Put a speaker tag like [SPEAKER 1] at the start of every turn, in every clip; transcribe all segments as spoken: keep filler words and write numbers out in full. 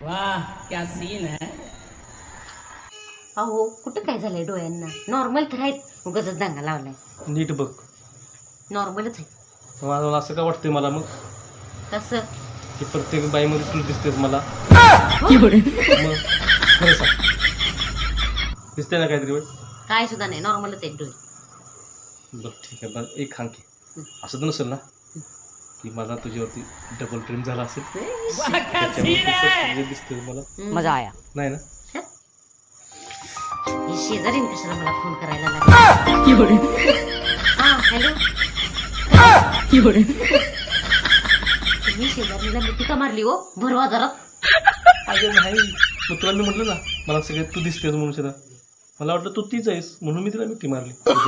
[SPEAKER 1] वाह क्या सीन है.
[SPEAKER 2] अहो कुठं काय झालंय डोळ्यांना? नॉर्मल तर आहेत, उगाचच दांगा लावलाय.
[SPEAKER 3] नीट बघ.
[SPEAKER 2] नॉर्मलच आहे.
[SPEAKER 3] मला असं का वाटतंय मला मग
[SPEAKER 2] कसं?
[SPEAKER 3] की प्रत्येक बाईमध्ये तू दिसतेस मला. मग खरं सांग, दिसते ना काहीतरी वेळ?
[SPEAKER 2] काय सुद्धा नाही, नॉर्मलच आहेत डोळे.
[SPEAKER 3] बरं ठीक आहे. बरं एक सांग की असं तर नसेल ना की मला तुझ्यावरती डबल ड्रीम झाला असेल?
[SPEAKER 1] वाह क्या सीन है.
[SPEAKER 3] दिसते मला.
[SPEAKER 1] मजा आया.
[SPEAKER 3] नाही ना?
[SPEAKER 2] हे शेजारीन कशाला मला फोन करायला लागला? हा हॅलो. तुम्ही शेजारीला मिठी का मारली हो भर बाजारात?
[SPEAKER 3] अगं नाही, मग तुला मी म्हटलं ना मला सगळ्यात तू दिसतेस म्हणून शेदा. मला वाटलं तू तीच आहेस म्हणून मी तिला मिठी मारली.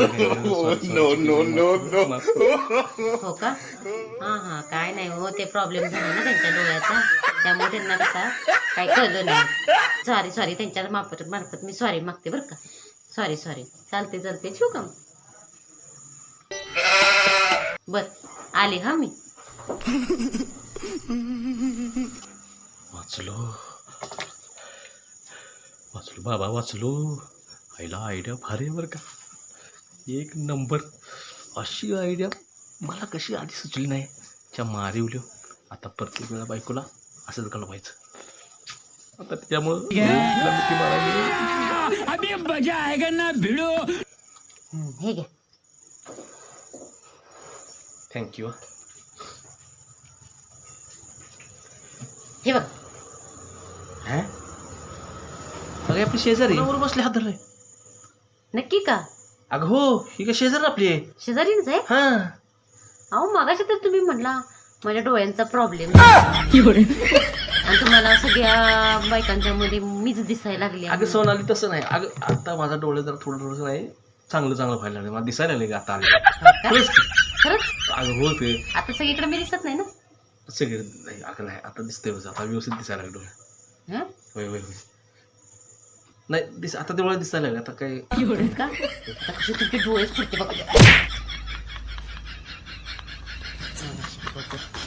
[SPEAKER 2] हो का? हा हा काय नाही हो, ते प्रॉब्लेम झाला ना त्यांच्या डोळ्याचा, त्यामुळे त्यांना कसा काय कळलं नाही. सॉरी सॉरी, त्यांच्या मार्फत मार्फत मी सॉरी मागते बरं का. Sorry sorry. चालते चालते, ठेवू का? बर आले हा मी.
[SPEAKER 3] वाचलो वाचलो बाबा वाचलो. आईला आयडिया भारी आहे बरं का, एक नंबर. अशी आयडिया मला कशी आधी सुचली नाही. च्या मारिवलो. आता प्रत्येक वेळा बायकोला असंच घालवायचं. आता त्यामुळं मिठी मारायची.
[SPEAKER 1] अभी मजा आएगा ना भिड़ो.
[SPEAKER 2] हे घ्या.
[SPEAKER 3] थँक्यू.
[SPEAKER 2] हे बघ.
[SPEAKER 3] हा अगं आपली शेजारी वर बसले हात धरले.
[SPEAKER 2] नक्की का?
[SPEAKER 3] अगं हो, ही का शेजारी आपली आहे.
[SPEAKER 2] शेजारीच आहे.
[SPEAKER 3] हा
[SPEAKER 2] अहो मगाशी तर तुम्ही म्हटला माझ्या डोळ्यांचा प्रॉब्लेम आणि तुम्हाला सगळ्या बायकांच्या मध्ये मीच दिसायला लागली.
[SPEAKER 3] अगं सोनाली तसं नाही. अगं आता माझा डोळे जरा थोडं थोडंसं नाही चांगलं चांगलं व्हायला लागले. मला दिसायला लागले आता आले. खरंच की.
[SPEAKER 2] खरंच
[SPEAKER 3] अगं हो ते
[SPEAKER 2] आता सगळीकडे मी दिसत नाही ना.
[SPEAKER 3] सगळे नाही. अगं नाही आता दिसतंय बस, आता व्यवस्थित दिसायला लागलो.
[SPEAKER 2] हं?
[SPEAKER 3] होय होय होय. नाही दिस आता तेवढं दिसायला लागलं. आता काय
[SPEAKER 2] का? आता कसे तुमचे डोळेच फुटते बघा.